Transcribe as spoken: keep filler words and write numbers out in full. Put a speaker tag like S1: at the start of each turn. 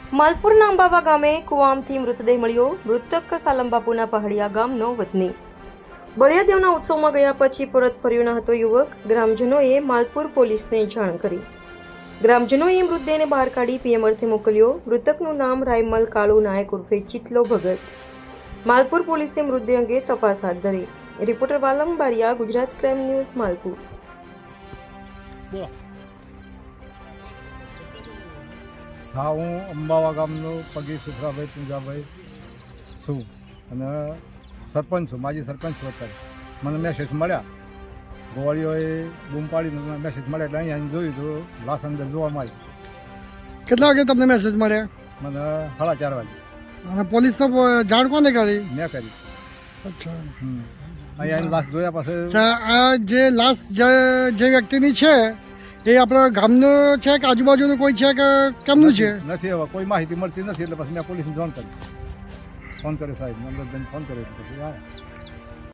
S1: માલપુરના અંબાવા ગામે કુવામથી મૃતદેહ મળ્યો. મૃતક સાલમબાપુના પહાડિયા ગામનો વતની. બળિયાદેવના ઉત્સવમાં ગયા પછી પરત ફર્યો ન હતો યુવક. ગ્રામજનોએ માલપુર પોલીસને જાણ કરી. ગ્રામજનોએ મૃતદેહને બહાર કાઢી પીએમ અર્થે મોકલ્યો. મૃતકનું નામ રાયમલ કાળુ નાયક ઉર્ફે ચિતલો ભગત. માલપુર પોલીસે મૃતદેહ અંગે તપાસ હાથ ધરી. Reporter Valam Bariya, Gujarat crime news, Malpur.
S2: હા, હું અંબાવા ગામનો પગી સુખરાભાઈ પૂંજાભાઈ છું અને સરપંચ છું, માજી સરપંચ છું. અત્યારે મને મેસેજ મળ્યા, ગોવાળીઓએ બૂમ પાડીને મેસેજ મળ્યા એટલે અહીંયા જોયું તો લાશ અંદર જોવા મળી.
S3: કેટલા વાગે તમને મેસેજ મળ્યા?
S2: મને સાડા ચાર વાગે.
S3: અને પોલીસ તો જાણ કોને કરી?
S2: મેં કરી.
S3: અચ્છા.
S2: હમ અહીંયા લાશ જોયા પછી
S3: અચ્છા, આ જે લાશ જે જે વ્યક્તિની છે એ આપણા ગામનો છે કે આજુબાજુનું કોઈ છે કે કેમનું છે?
S2: નથી, હવે કોઈ માહિતી મળતી નથી એટલે પછી મેં પોલીસને જાણ કરી, ફોન કર્યો સાહેબ, નંબર ફોન કર્યો એટલે પછી આવ્યા.